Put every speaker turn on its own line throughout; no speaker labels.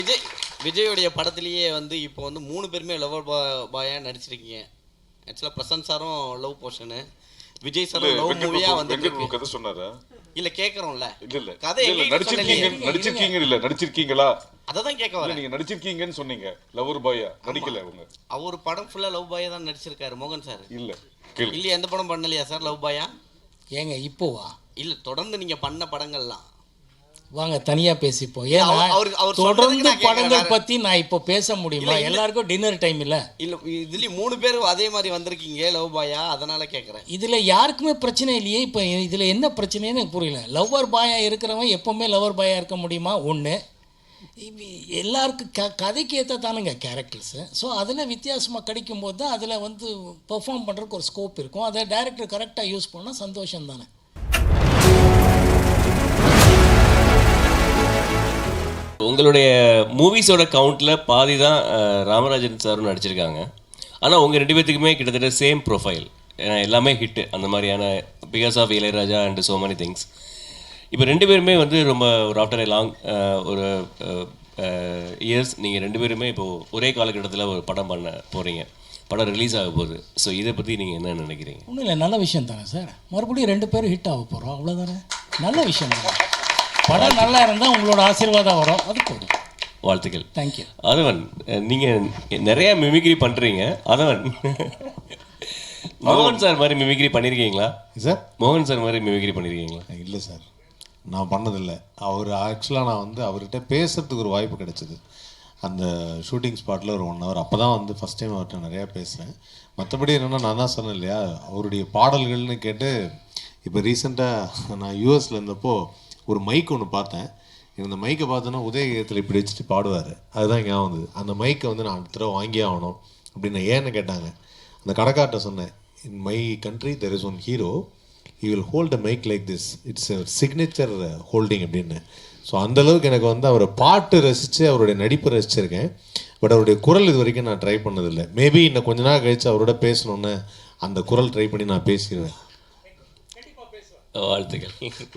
விஜயோடைய படத்திலேயே வந்து இப்போ வந்து 3 பேருமே லவர் பாயா நடிச்சிருக்கீங்க. ஆக்சுவலாக பிரசன்ட் சாரும் லவ் போர்ஷனு, விஜய் சாரும் லவ் மூவியா வந்து
கதை சொன்னாரா?
இல்ல கேக்குறோம்ல.
இல்ல
கதை
நடிச்சிருக்கீங்களா?
அததான் கேட்க வரேன்.
நீங்க நடிச்சிருக்கீங்கன்னு சொன்னீங்க. லவர் பாயா நடிக்கல அவங்க.
அவர் படம் ஃபுல்லா லவ் பாயா தான் நடிச்சிருக்காரு மோகன் சார்.
இல்ல
இல்ல எந்த படம் பண்ணலையா சார் லவ் பாயா?
ஏங்க இப்போவா?
இல்ல தொடர்ந்து நீங்க பண்ண படங்கள்லாம்
வாங்க தனியா பேசிப்போம். ஏன்னா தொடர்ந்து படங்கள் பத்தி நான் இப்போ பேச முடியுமா? எல்லாருக்கும் டின்னர் டைம் இல்ல.
இல்ல இதுலயும் 3 பேர் அதே மாதிரி வந்திருக்கீங்க லவ் பாயா, அதனால கேக்குறேன்.
இதுல யாருக்குமே பிரச்சனை இல்லையே. இப்போ இதுல என்ன பிரச்சனைன்னு எனக்கு புரியல. லவ்வர் பாயா இருக்கிறவன் எப்பவுமே லவர் பாயா இருக்க முடியுமா? ஒன்று எல்லாருக்கும் கதைக்கு ஏற்ற தானுங்க கேரக்டர்ஸு. ஸோ அதில் வித்தியாசமாக கிடைக்கும்போது தான் அதில் வந்து பெர்ஃபார்ம் பண்ணுறதுக்கு ஒரு ஸ்கோப் இருக்கும். அதை டைரக்டர் கரெக்டாக யூஸ் பண்ணால் சந்தோஷம் தானே.
உங்களுடைய மூவிஸோட கவுண்டில் பாதி தான் ராமராஜன் சாரும் நடிச்சிருக்காங்க. ஆனால் உங்கள் 2 பேர்த்துக்குமே கிட்டத்தட்ட சேம் ப்ரொஃபைல், ஏன்னா எல்லாமே ஹிட்டு அந்த மாதிரியான because of Ilaiyaraaja and so many things. இப்போ 2 பேருமே வந்து ரொம்ப ஒரு ஆஃப்டர் லாங் ஒரு இயர்ஸ் நீங்கள் 2 பேருமே இப்போது ஒரே காலகட்டத்தில் ஒரு படம் பண்ண போகிறீங்க. படம் ரிலீஸ் ஆக போகுது. ஸோ இதை பற்றி நீங்கள் என்ன நினைக்கிறீங்க?
ஒன்றும் இல்லை, நல்ல விஷயம் தானே சார். மறுபடியும் 2 பேரும் ஹிட் ஆக போகிறோம், அவ்வளோதானே. நல்ல விஷயம் தானே. படம் நல்லா இருந்தால் உங்களோட ஆசீர்வாதம் வரும், அது போதும்.
வாழ்த்துக்கள்.
தேங்க்யூ.
அதவன், நீங்கள் நிறைய மிமிக்ரி பண்ணுறீங்க. அதவன் மோகன் சார் மாதிரி மிமிக்ரி பண்ணியிருக்கீங்களா
சார்?
மோகன் சார் மாதிரி மிமிக்ரி பண்ணியிருக்கீங்களா?
இல்லை சார், நான் பண்ணதில்லை. அவர் ஆக்சுவலாக நான் வந்து அவர்கிட்ட பேசுகிறதுக்கு ஒரு வாய்ப்பு கிடைச்சிது அந்த ஷூட்டிங் ஸ்பாட்டில் ஒரு 1 ஹவர். அப்போ தான் வந்து ஃபஸ்ட் டைம் அவர்கிட்ட நிறையா பேசுகிறேன். மற்றபடி என்னென்னா நான் தான் சொன்னேன் இல்லையா, அவருடைய பாடல்கள்னு கேட்டு இப்போ ரீசெண்டாக நான் யூஎஸில் இருந்தப்போ ஒரு மைக் ஒன்று பார்த்தேன். இந்த மைக்கை பார்த்தோன்னா உதயகீதத்தில் இப்படி வச்சுட்டு பாடுவார். அதுதான் ஞாபகம் வந்தது. அந்த மைக்கை வந்து நான் அடுத்த தடவை வாங்கியே ஆகணும் அப்படின்னு ஏன்னு கேட்டாங்க. அந்த கடைக்கார்ட்ட சொன்னேன், in my country there is one hero, he will hold a mic like this, it's signature holding அப்படின்னு. ஸோ அந்தளவுக்கு எனக்கு வந்து அவரை பாட்டு ரசித்து அவருடைய நடிப்பு ரசிச்சிருக்கேன். பட் அவருடைய குரல் இது வரைக்கும் நான் ட்ரை பண்ணதில்லை. மேபி இன்னும் கொஞ்ச நாள் கழித்து அவரோட பேசணுன்னு அந்த குரல் ட்ரை பண்ணி நான் பேசிடுவேன்.
வாழ்த்துக்கள்.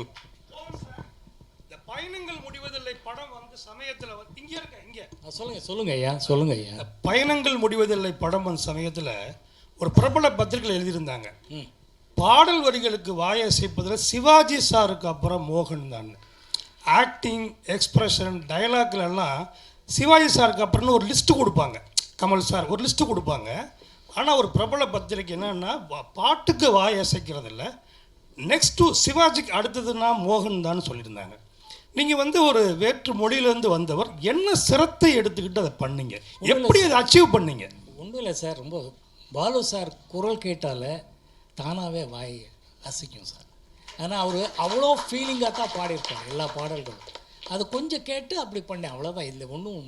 பயணங்கள் முடிவதில்லை படம் வந்து சமயத்தில் இங்கே இருக்க இங்கே
சொல்லுங்க ஐயா.
பயணங்கள் முடிவதில்லை படம் வந்து சமயத்தில் ஒரு பிரபல பத்திரிகை எழுதியிருந்தாங்க, பாடல் வரிகளுக்கு வாயை அசைப்பதில் சிவாஜி சாருக்கு அப்புறம் மோகன் தான். ஆக்டிங், எக்ஸ்பிரஷன், டைலாக்லாம் சிவாஜி சாருக்கு அப்புறம்னு ஒரு லிஸ்ட்டு கொடுப்பாங்க. கமல் சார் ஒரு லிஸ்ட்டு கொடுப்பாங்க. ஆனால் ஒரு பிரபல பத்திரிகை என்னன்னா பாட்டுக்கு வாய் அசைக்கிறதில்ல, நெக்ஸ்ட்டு சிவாஜிக்கு அடுத்ததுன்னா மோகன் தான் சொல்லியிருந்தாங்க. நீங்கள் வந்து ஒரு வேற்று மொழியிலேருந்து வந்தவர், என்ன சிரத்தை எடுத்துக்கிட்டு அதை பண்ணீங்க, எப்படி அதை அச்சீவ் பண்ணீங்க?
ஒன்றும் இல்லை சார், ரொம்ப பாலு சார் குரல் கேட்டால் தானாகவே வாய் அசைக்கும் சார். ஆனால் அவர் அவ்வளோ ஃபீலிங்காக தான் பாடியிருப்பார் எல்லா பாடல்களும். அது கொஞ்சம் கேட்டு அப்படி பண்ணேன், அவ்வளோதான். இல்லை ஒன்றும்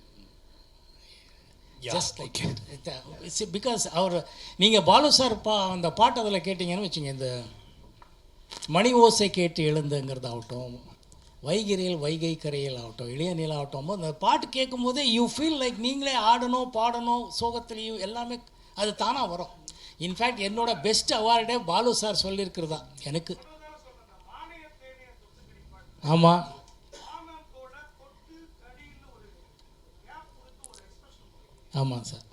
ஜஸ்ட் லைக் பிகாஸ் அவர் நீங்கள் பாலு சார் அந்த பாட்டு அதில் கேட்டிங்கன்னு வச்சுங்க, இந்த மணி ஓசை கேட்டு எழுந்துங்கிறது ஆகட்டும், வைகிரியில் வைகை கரையில் ஆகட்டும், இளைய நிலா ஆகட்டும், அந்த பாட்டு கேட்கும் போதே யூ ஃபீல் லைக் நீங்களே ஆடணும் பாடணும், சோகத்துலேயும் எல்லாமே அது தானாக வரும். இன்ஃபேக்ட் என்னோட பெஸ்ட் அவார்டே பாலு சார் சொல்லியிருக்கிறதா எனக்கு. ஆமாம், ஆமாம் சார்,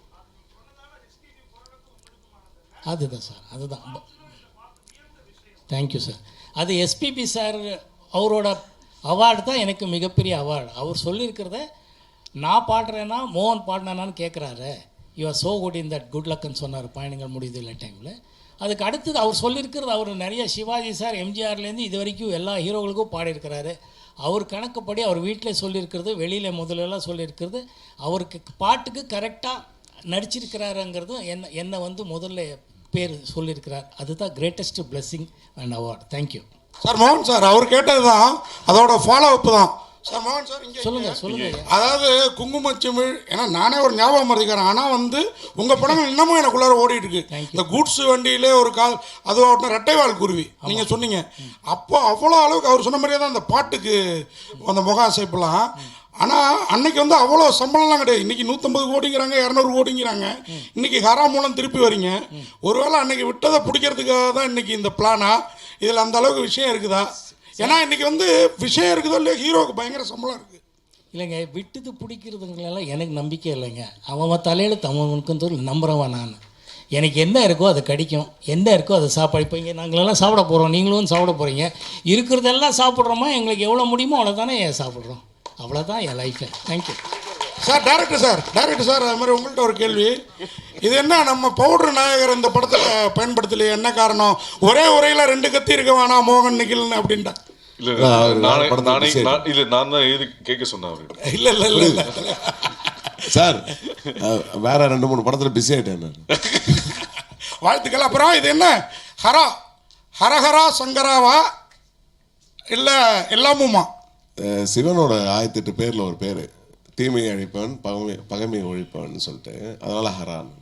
அதுதான் சார், அதுதான். Thank you sir. அது எஸ்பிபி சார் அவரோட அவார்டு தான் எனக்கு மிகப்பெரிய அவார்டு. அவர் சொல்லியிருக்கிறத நான் பாடுறேன்னா மோகன் பாடினான்னு கேட்குறாரு. You're so good in that good லக்குன்னு சொன்னார் பயணங்கள் முடியுது இல்லை டைமில். அதுக்கு அடுத்தது அவர் சொல்லியிருக்கிறது, அவர் நிறைய சிவாஜி சார் எம்ஜிஆர்லேருந்து இது வரைக்கும் எல்லா ஹீரோகளுக்கும் பாடியிருக்கிறாரு. அவர் கணக்குப்படி அவர் வீட்டில் சொல்லியிருக்கிறது, வெளியில் முதலெல்லாம் சொல்லியிருக்கிறது, அவருக்கு பாட்டுக்கு கரெக்டாக நடிச்சிருக்கிறாருங்கிறதும் என்னை வந்து முதல்ல பேர் சொல்லியிருக்கிறார். அதுதான் greatest blessing and award. Thank you
sir. மோகன் சார் அவர் கேட்டது தான் அதோட ஃபாலோ அப் தான் சார். மோகன் சார் இங்கே
சொல்லுங்கள்.
அதாவது குங்குமச்சிமிழ், ஏன்னா நானே ஒரு ஞாபகம் மறந்துக்கிறேன், ஆனால் வந்து உங்கள் படங்கள் இன்னமும் எனக்குள்ளார ஓடிட்டு இருக்கு. இந்த கூட்ஸ் வண்டியிலே ஒரு அதுவாகட்டும், ரெட்டைவால் குருவி நீங்கள் சொன்னீங்க, அப்போ அவ்வளோ அளவுக்கு அவர் சொன்ன மாதிரியே தான் அந்த பாட்டுக்கு அந்த முக அசைப்பெல்லாம். ஆனால் அன்னைக்கு வந்து அவ்வளோ சம்பளம்லாம் கிடையாது. இன்றைக்கி 150 கோடிங்கிறாங்க, 200 கோடிங்கிறாங்க. இன்றைக்கி ஹரா மூலம் திருப்பி வரீங்க. ஒருவேளை அன்றைக்கி விட்டதை பிடிக்கிறதுக்காக தான் இன்றைக்கி இந்த பிளானா? இதில் அந்த அளவுக்கு விஷயம் இருக்குதா? ஏன்னா இன்றைக்கி வந்து விஷயம் இருக்குதோ இல்லையா, ஹீரோவுக்கு பயங்கர சம்பளம் இருக்குது.
இல்லைங்க, விட்டுது பிடிக்கிறதுங்களெல்லாம் எனக்கு நம்பிக்கை இல்லைங்க. அவன் தலையில் அவனுக்கு நம்புகிறவன் நான். எனக்கு என்ன இருக்கோ அது கிடைக்கும், என்ன இருக்கோ அதை சாப்பாடு. இப்போ இங்கே நாங்களெல்லாம் சாப்பிட போகிறோம், நீங்களும் சாப்பிட போகிறீங்க. இருக்கிறதெல்லாம் சாப்பிட்றோமா, எங்களுக்கு எவ்வளோ முடியுமோ அவ்வளோதானே சாப்பிட்றோம். அவ்வளோதான் என் life. Thank you
sir. Director sir அது மாதிரி உங்கள்கிட்ட ஒரு கேள்வி. இது என்ன நம்ம பவுடர் நாயகர் இந்த படத்தில் பயன்படுத்தலையே, என்ன காரணம்? ஒரே உரையில் 2 கத்தி இருக்க வேணாம் மோகன் நிகில்னு அப்படின்ட்டா.
நான் தான் எழுதி கேட்க சொன்னேன் அவரு.
இல்ல
சார், வேற 2-3 படத்துல பிஸி ஆயிட்டேன் நான்.
வாழ்த்துக்கள். அப்புறம் இது என்ன ஹரஹரா சங்கராவா இல்லை எல்லாமுமா?
சிவனோட 1008 பேர்ல ஒரு பேரு, தீமையை அழிப்பவன் பகைமையை ஒழிப்பவன் சொல்லிட்டு, அதனால ஹரான்.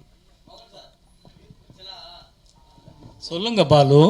சொல்லுங்க பாலு.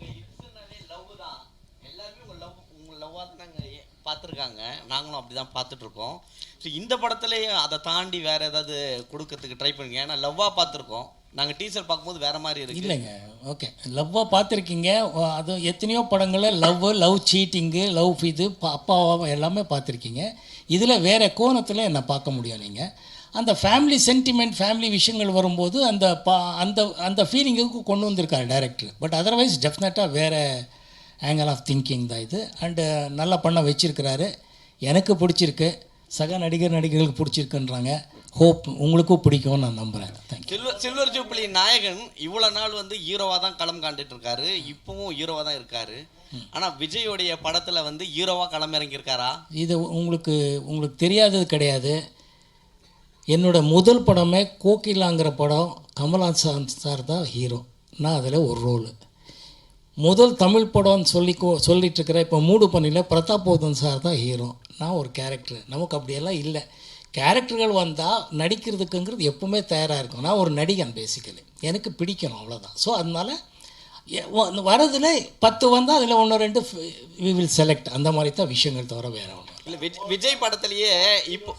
பார்த்துருக்காங்க, நாங்களும் அப்படி தான் பார்த்துட்ருக்கோம். ஸோ இந்த படத்துலேயே அதை தாண்டி வேறு ஏதாவது கொடுக்கறதுக்கு ட்ரை பண்ணுங்க. ஏன்னா லவ்வாக பார்த்துருக்கோம், நாங்கள் டீசர் பார்க்கும்போது வேறு மாதிரி இருக்கு.
இல்லைங்க, ஓகே, லவ்வாக பார்த்துருக்கீங்க. அது எத்தனையோ படங்களில் லவ் சீட்டிங்கு, லவ் இது அப்பாவா எல்லாமே பார்த்துருக்கீங்க. இதில் வேறு கோணத்தில் என்னை பார்க்க முடியும். நீங்கள் அந்த ஃபேமிலி சென்டிமெண்ட், ஃபேமிலி விஷயங்கள் வரும்போது அந்த அந்த ஃபீலிங்குக்கு கொண்டு வந்திருக்காரு டைரக்டர். பட் அதர்வைஸ் டெஃபினட்டாக வேறு ஆங்கிள் ஆஃப் திங்கிங் தான் இது. அண்டு நல்லா பண்ண வச்சுருக்கிறாரு. எனக்கு பிடிச்சிருக்கு, சக நடிகர்களுக்கு பிடிச்சிருக்குன்றாங்க. ஹோப் உங்களுக்கும் பிடிக்கும்னு நான் நம்புகிறேன். தேங்க்யூ.
சில்வர் ஜூப்ளி நாயகன் இவ்வளோ நாள் வந்து ஹீரோவாக தான் களம் காண்டுட்டு இருக்காரு, இப்போவும் ஹீரோவாக தான் இருக்காரு. ஆனால் விஜயோடைய படத்தில் வந்து ஹீரோவாக களம் இறங்கியிருக்காரா?
இது உங்களுக்கு தெரியாதது கிடையாது. என்னோட முதல் படமே கோகிலாங்கிற படம், கமல்ஹாசன் சார் தான் ஹீரோ, நான் அதில் ஒரு ரோலு. முதல் தமிழ் படம்னு சொல்லிட்டு இருக்கிறேன். இப்போ மூடு பண்ணியில் பிரதாபோதன் சார் தான் ஹீரோ, நான் ஒரு கேரக்டர். நமக்கு அப்படியெல்லாம் இல்லை. கேரக்டர்கள் வந்தால் நடிக்கிறதுக்குங்கிறது எப்போவுமே தயாராக இருக்கும். நான் ஒரு நடிகன் பேசிக்கலி, எனக்கு பிடிக்கணும், அவ்வளோதான். ஸோ அதனால் வரதில் 10 வந்தால் அதில் 1-2 வி வில் செலக்ட், அந்த மாதிரி தான் விஷயங்கள் தவிர வேறு ஒன்று
இல்லை. விஜய் படத்துலேயே இப்போ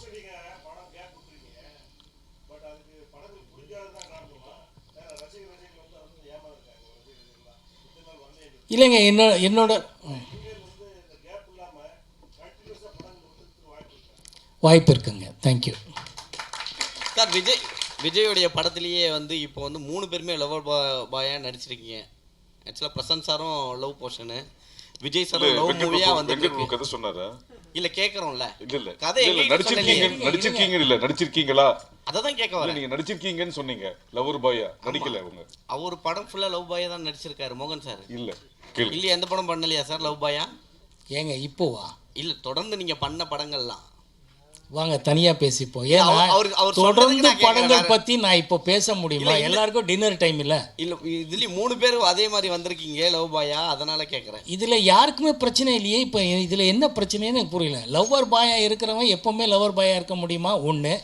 இல்லைங்க, என்னோட வாய்ப்பு இருக்குங்க. Thank you
sir. விஜயோடைய படத்துலேயே வந்து இப்போ வந்து 3 பேருமே லவர் பாயாக நடிச்சிருக்கீங்க. ஆக்சுவலாக பிரசன்ட் சாரும் லவ் போர்ஷனு, விஜய் சாரும் லவ் மூவியாக வந்து
கதை சொன்னாரா?
இல்லை கேட்குறோம்ல.
இல்லை
கதை
நடிச்சிருக்கீங்களா?
அதை தான் கேட்க வரேன்.
நீங்க நடிச்சிருக்கீங்கன்னு சொன்னீங்க. லவர் பாயா நடிக்கல அவங்க.
அவர் படம் ஃபுல்லாக லவ் பாயா தான் நடிச்சிருக்காரு மோகன் சார்.
இல்லை
இல்லையா, எந்த படம் பண்ணலையா சார் லவ் பாயா?
ஏங்க இப்போவா?
இல்லை, தொடர்ந்து நீங்கள் பண்ண படங்கள்லாம்
வாங்க தனியாக பேசிப்போம். ஏன்னா தொடர்ந்து படங்கள் பற்றி நான் இப்போ பேச முடியுமா? எல்லாருக்கும் டின்னர் டைம் இல்லை.
இல்லை, இதுலேயும் 3 பேர் அதே மாதிரி வந்திருக்கீங்க லவ் பாயா, அதனால் கேட்குறேன்.
இதில் யாருக்குமே பிரச்சனை இல்லையே. இப்போ இதில் என்ன பிரச்சனைன்னு எனக்கு புரியல. லவ்வர் பாயா இருக்கிறவன் எப்போவுமே லவர் பாயா இருக்க முடியுமா? ஒன்று,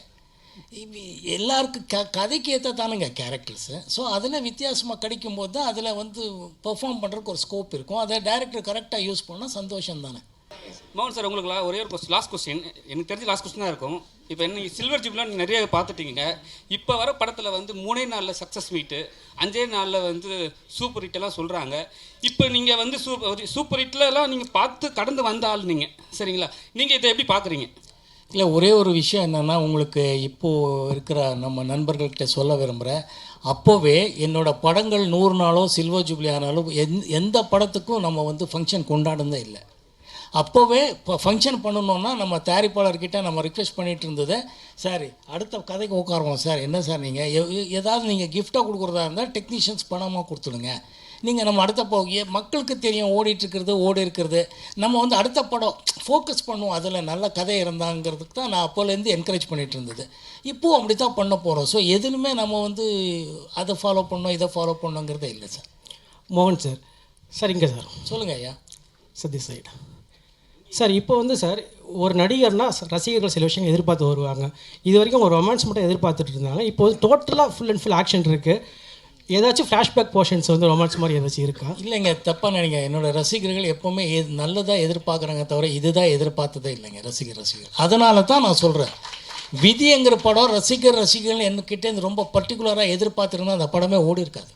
எல்லாருக்கும் கதைக்கு ஏற்ற தானுங்க கேரக்டர்ஸு. ஸோ அதில் வித்தியாசமாக கிடைக்கும்போது தான் அதில் வந்து பெர்ஃபார்ம் பண்ணுறதுக்கு ஒரு ஸ்கோப் இருக்கும். அதை டைரக்டர் கரெக்டாக யூஸ் பண்ணால் சந்தோஷம் தானே.
மோகன் சார், உங்களுக்கு ஒரே ஒரு லாஸ்ட் கொஸ்டின். எனக்கு தெரிஞ்ச லாஸ்ட் கொஸ்டின் தான் இருக்கும். இப்போ என்ன சில்வர் ஜூப்லாம் நீங்கள் நிறைய பார்த்துட்டீங்க. இப்போ வர படத்தில் வந்து 3 நாளில் சக்ஸஸ் மீட்டு, 5 நாளில் வந்து சூப்பர் ஹிட்டெல்லாம் சொல்கிறாங்க. இப்போ நீங்கள் வந்து சூப்பர் ஹிட்லலாம் நீங்கள் பார்த்து கடந்து வந்த ஆள் நீங்கள், சரிங்களா? நீங்கள் இதை எப்படி பார்க்குறீங்க?
இல்லை, ஒரே ஒரு விஷயம் என்னென்னா, உங்களுக்கு இப்போது இருக்கிற நம்ம நண்பர்கள்கிட்ட சொல்ல விரும்புகிறேன். அப்போவே என்னோடய படங்கள் 100 நாளோ சில்வர் ஜூப்ளி ஆனாலும் எந்த படத்துக்கும் நம்ம வந்து ஃபங்க்ஷன் கொண்டாடுனதே இல்லை. அப்போவே இப்போ ஃபங்க்ஷன் பண்ணணுன்னா நம்ம தயாரிப்பாளர்கிட்ட நம்ம ரிக்வெஸ்ட் பண்ணிகிட்டு இருந்தது, சார் அடுத்த கதைக்கு உட்காருவோம் சார், என்ன சார் நீங்கள் ஏதாவது நீங்கள் கிஃப்டாக கொடுக்குறதா இருந்தால் டெக்னீஷியன்ஸ் பணமாக கொடுத்துடுங்க, நீங்கள் நம்ம அடுத்த மக்களுக்கு தெரியும் ஓடி இருக்கிறது, நம்ம வந்து அடுத்த படம் ஃபோக்கஸ் பண்ணுவோம், அதில் நல்ல கதை இருந்தாங்கிறதுக்கு தான் நான் அப்போலேருந்து என்கரேஜ் பண்ணிகிட்டு இருந்தது. இப்போது அப்படி தான் பண்ண போகிறோம். ஸோ எதுலுமே நம்ம வந்து அதை ஃபாலோ பண்ணோம் இதை ஃபாலோ பண்ணோங்கிறதே இல்லை சார்.
மோகன் சார், சார் இங்கே சார்
சொல்லுங்கள் ஐயா.
சதி சைடு சார், இப்போ வந்து சார் ஒரு நடிகர்னால் ரசிகர்கள் சில விஷயங்கள் எதிர்பார்த்து வருவாங்க. இது வரைக்கும் ஒரு ரொமான்ஸ் மட்டும் எதிர்பார்த்துட்டு இருந்தாங்க. இப்போ வந்து டோட்டலாக ஃபுல் அண்ட் ஃபுல் ஆக்ஷன் இருக்குது. ஏதாச்சும் ஃப்ளாஷ்பேக் போர்ஷன்ஸ் வந்து ரொமான்ஸ் மாதிரி ஏதாச்சும் இருக்கா?
இல்லைங்க, தப்பாக நினைங்க. என்னோடய ரசிகர்கள் எப்போவுமே நல்லதாக எதிர்பார்க்குறாங்க தவிர இதுதான் எதிர்பார்த்ததே இல்லைங்க ரசிகர்கள். அதனால தான் நான் சொல்கிறேன், விதிங்கிற படம் ரசிகர்கள் என்கிட்டேருந்து ரொம்ப பர்டிகுலராக எதிர்பார்த்துருந்தா அந்த படமே ஓடி இருக்காது.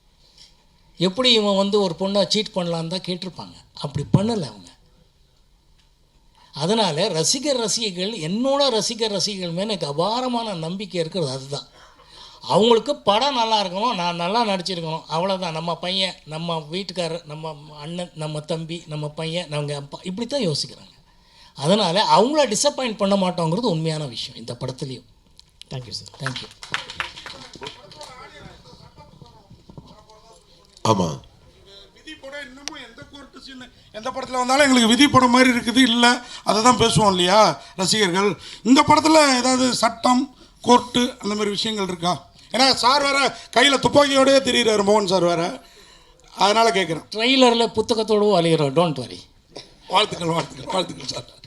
எப்படி இவன் வந்து ஒரு பொண்ணை சீட் பண்ணலான்னு தான் கேட்டிருப்பாங்க. அப்படி பண்ணலை அவங்க. அதனால் ரசிகர்கள் என்னோட ரசிகர்கள் மேலே எனக்கு அபாரமான நம்பிக்கை இருக்கிறது அதுதான். அவங்களுக்கு படம் நல்லா இருக்கணும், நான் நல்லா நடிச்சிருக்கணும், அவ்வளோதான். நம்ம பையன், நம்ம வீட்டுக்காரர், நம்ம அண்ணன், நம்ம தம்பி, நம்ம பையன், நம்ம அப்பா, இப்படி தான் யோசிக்கிறாங்க. அதனால் அவங்கள டிசப்பாயிண்ட் பண்ண மாட்டோங்கிறது உண்மையான விஷயம் இந்த படத்துலேயும்.
Thank you sir.
தேங்க்யூ.
ஆமாம்,
விதி படம் இன்னமும் எந்த கோர்ட்டு சீன் எந்த படத்தில் வந்தாலும் எங்களுக்கு விதி படம் மாதிரி இருக்குது, இல்லை அதை தான் பேசுவோம் இல்லையா ரசிகர்கள். இந்த படத்தில் ஏதாவது சட்டம், கோர்ட்டு அந்த மாதிரி விஷயங்கள் இருக்கா? ஏன்னா சார் வேற கையில் துப்பாக்கியோடய தெரியுறாரு, மோகன் சார் வேற, அதனால் கேட்குறேன்.
ட்ரெய்லரில் புத்தகத்தோடு அழிகிறோம். Don't worry.
வாழ்த்துக்கள் சார்.